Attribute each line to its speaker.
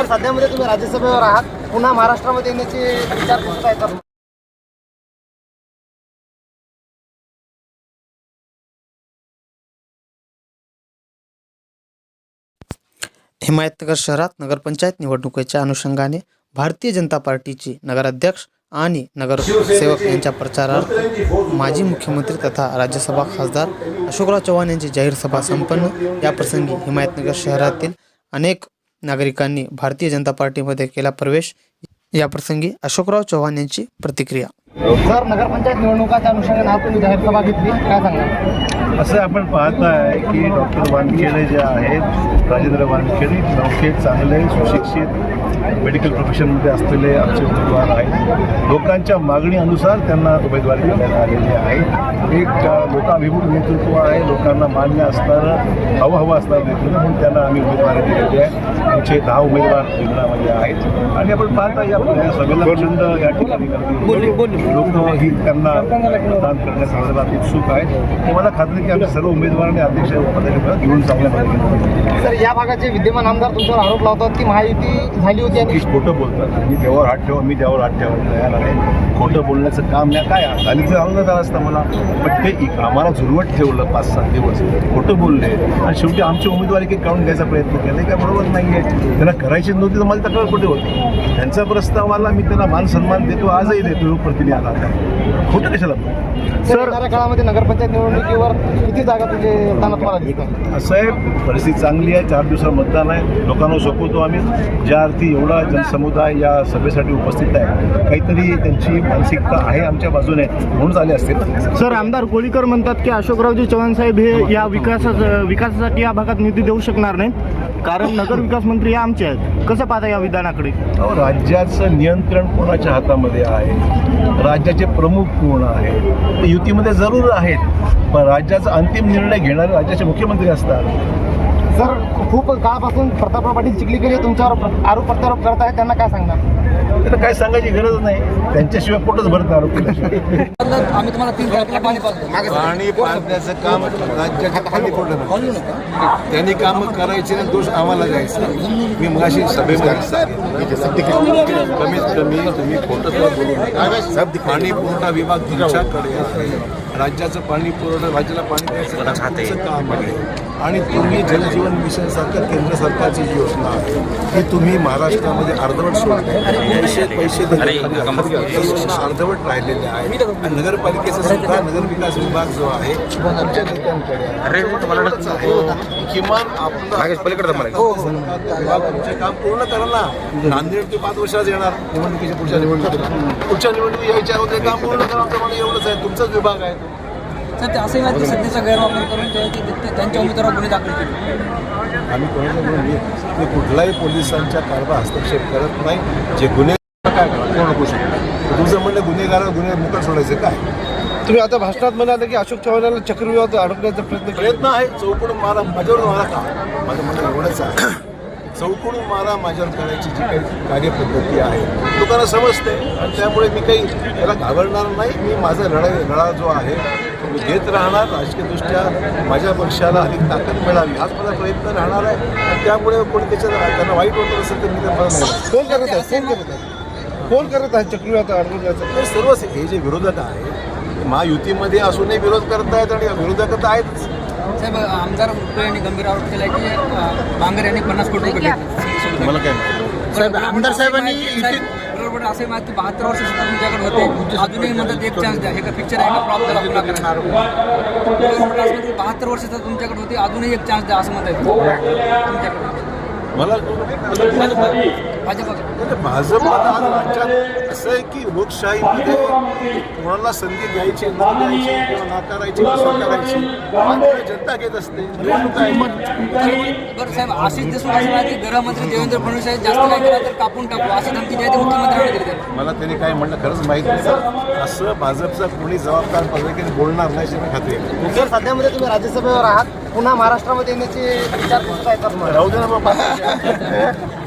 Speaker 1: सध्यामध्ये तुम्ही राज्यसभेवर आहात, पुन्हा महाराष्ट्रामध्ये येण्याची विचार करत आहे का?
Speaker 2: हिमायतनगर शहरात नगरपंचायत निवडणुकीच्या अनुषंगाने भारतीय जनता पार्टीची नगराध्यक्ष आणि नगरसेवक यांच्या प्रचारार्थ माजी मुख्यमंत्री तथा राज्यसभा खासदार अशोकराव चव्हाण यांची जाहीर सभा संपन्न। याप्रसंगी हिमायतनगर शहरातील अनेक नागरिकांनी भारतीय जनता पार्टीमध्ये केला प्रवेश। याप्रसंगी अशोकराव चव्हाण यांची प्रतिक्रिया।
Speaker 1: सर, नगरपंचायत निवडणुकाच्या अनुषंगाने आज तुम्ही जाहीर सभा घेतली, काय सांगा?
Speaker 3: असं आपण पाहताय की डॉक्टर वानखेडे जे आहेत, राजेंद्र वानखेडे नौके चांगले सुशिक्षित मेडिकल प्रोफेशनमध्ये असलेले आमचे उमेदवार आहेत। लोकांच्या मागणीनुसार त्यांना उमेदवारी देण्यात आलेली आहे। एक लोकाभिमुख नेतृत्व आहे, लोकांना मान्य असणारं हवं असणारं नेतृत्व म्हणून त्यांना आम्ही उमेदवारी दिलेली आहे। आमचे 10 उमेदवार रिंगणामध्ये आहेत आणि आपण पाहता या सभेला प्रचंड या ठिकाणी लोक ही त्यांना मतदान करण्यासंदर्भात उत्सुक आहेत। मला खात्री की आमच्या सर्व उमेदवारांनी अध्यक्ष उपाध्यक्ष घेऊन चांगल्या पद्धतीने।
Speaker 1: सर, या भागाचे विद्यमान आमदार तुमच्यावर आरोप लावतात की महायुती झाली होती आणि
Speaker 3: खोटं बोलतात। मी देवावर हात ठेवा, मी देवावर हात ठेवायला तयार आहे। खोटं बोलण्याचं काम नाही, काय झाली तर आनंद आला असता मला, पण ते आम्हाला झुरवत ठेवलं 5-7 दिवस, खोटं बोलले आणि शेवटी आमची उमेदवारी काही काढून घ्यायचा प्रयत्न केला, काय बरोबर नाही आहे। त्यांना करायची नव्हती तर मला तक्रार कुठे होती? त्यांचा प्रस्तावाला मी त्यांना मान सन्मान देतो, आजही देतो। लोकप्रतिनिधी आला खोटं कशाला?
Speaker 1: सर, येणाऱ्या काळामध्ये नगरपंचायत निवडणुकीवर किती जागा तुझे तानात मला दिसतात?
Speaker 3: असं आहे, परिस्थिती चांगली आहे। 4 दिवसात मतदान आहे, लोकांना सोपवतो आम्ही। ज्या अर्थी एवढा जनसमुदाय या सभेसाठी उपस्थित आहे, काहीतरी त्यांची मानसिकता आहे आमच्या बाजूने म्हणून झाले असतील।
Speaker 4: सर, आमदार कोळीकर म्हणतात की अशोकरावजी चव्हाण साहेब हे या विकासासाठी या भागात निधी देऊ शकणार नाहीत, कारण नगर विकास मंत्री हे आमचे आहेत। कसं पाहता या विधानाकडे?
Speaker 3: राज्याचं नियंत्रण कोणाच्या हातामध्ये आहे? राज्याचे प्रमुख कोण आहे? ते युतीमध्ये जरूर आहेत, पण राज्याचा अंतिम निर्णय घेणारे राज्याचे मुख्यमंत्री असतात।
Speaker 1: सर, खूप काळापासून प्रतापराव पाटील चिखलीकर तुमच्यावर आरोप प्रत्यारोप करत आहेत, त्यांना काय सांगणार?
Speaker 3: त्यांना काय सांगायची गरज नाही, त्यांच्याशिवाय पोटच भरत आरोप केल्याशिवाय।
Speaker 1: आम्ही तुम्हाला 3 पाणी
Speaker 5: पाणी पाजण्याचं काम राज्याच्या खाली पडलं, त्यांनी कामं करायचे ना, दोष आम्हाला द्यायचा। मी मगाशी सभेमध्ये सांगितलं, कमीत कमी तुम्ही खोटं बोलू नका। पाणी पुरवठा विभाग तुमच्याकडे आहे, राज्याचं पाणी पुरवठा, राज्याला पाणी द्यायचं काम आहे आणि तुम्ही जलजीवन मिशन सारख्या केंद्र सरकारची योजना आहे की तुम्ही महाराष्ट्रामध्ये अर्धवट सोडताय, पैसे अर्धवट राहिलेले आहेत। आणि नगरपालिकेचा सुद्धा नगरविकास विभाग जो आहे आमच्या नेत्यांकडे आहे, किमान विभागाचे काम पूर्ण करा ना। नांदेड ते 5 वर्षात येणार निवडणुकीच्या पुढच्या निवडणुकी यायच्या अगोदर काम पूर्ण करा, मला एवढंच आहे, तुमचाच विभाग आहे।
Speaker 6: सर, ते असंही माहिती सध्याचा गैरवापर करून त्यांच्या उमेदवारावर गुन्हे दाखल केले।
Speaker 5: आम्ही कोणाच्या कुठलाही पोलिसांच्या कारभार हस्तक्षेप करत नाही। जे गुन्हे काय कोण नको शकतो, तुमचं म्हणलं गुन्हे मुक्त सोडायचे काय?
Speaker 3: तुम्ही आता भाषणात म्हणाले की अशोक चव्हाणाला चक्रव्यूहात अडकण्याचा
Speaker 5: प्रयत्न आहे। चौकडून मारा माझ्यावर मारा का? माझं म्हणणं एवढंच आहे, चौकडून मारा माझ्यावर करायची जी काही कार्यपद्धती आहे लोकांना समजते आणि त्यामुळे मी काही त्याला घाबरणार नाही। मी माझा लढा जो आहे तो मी घेत राहणार। राजकीयदृष्ट्या माझ्या पक्षाला अधिक ताकद मिळावी हाच माझा प्रयत्न राहणार आहे आणि त्यामुळे कोणी त्यांना वाईट वाटत असेल तर मी ते मला नाही।
Speaker 3: कोण करत आहे चक्रव्यूहात अडकण्याचं?
Speaker 5: तर सर्व हे जे विरोधक आहे महायुतीमध्ये असूनही विरोध करतायत आणि विरोधक तर आहेतच।
Speaker 6: साहेब, आमदार मुटकुळे यांनी गंभीर आरोप केला की बांगर यांनी 50 कोटी रुपये घेतले।
Speaker 5: मला काय माहिती?
Speaker 1: साहेब, आमदार साहेबांनी
Speaker 6: बरोबर असं माहिती 72 वर्ष सुद्धा तुमच्याकडे होते, अजूनही म्हणतात एक चान्स द्या, हे का पिक्चर आहे का प्रॉप त्याला पुन्हा करणार? 72 वर्ष सुद्धा तुमच्याकडे होते, अजूनही एक चान्स द्या असं म्हणतात तुमच्याकडे।
Speaker 5: मला भाजप आज राज्यात असं आहे की लोकशाहीमध्ये कोणाला संधी द्यायची न द्यायची किंवा नाकारायची स्वीकारायची जनता घेत असते।
Speaker 6: बरं साहेब, आशिष देशमुख असं नाही की गृहमंत्री देवेंद्र फडणवीस साहेब जास्त काय केला तर कापून टाकू अशी धमकी द्यायची मुख्यमंत्र्यांनी दिली।
Speaker 5: मला त्यांनी काय म्हणलं खरंच माहीत नाही, असं भाजपचा कोणी जबाबदार पद्धतीने बोलणार नाही याची खात्री आहे।
Speaker 1: सर, सध्यामध्ये तुम्ही राज्यसभेवर आहात, पुन्हा महाराष्ट्रामध्ये येण्याची विचार करत आहे का?
Speaker 5: राहू दे ना मग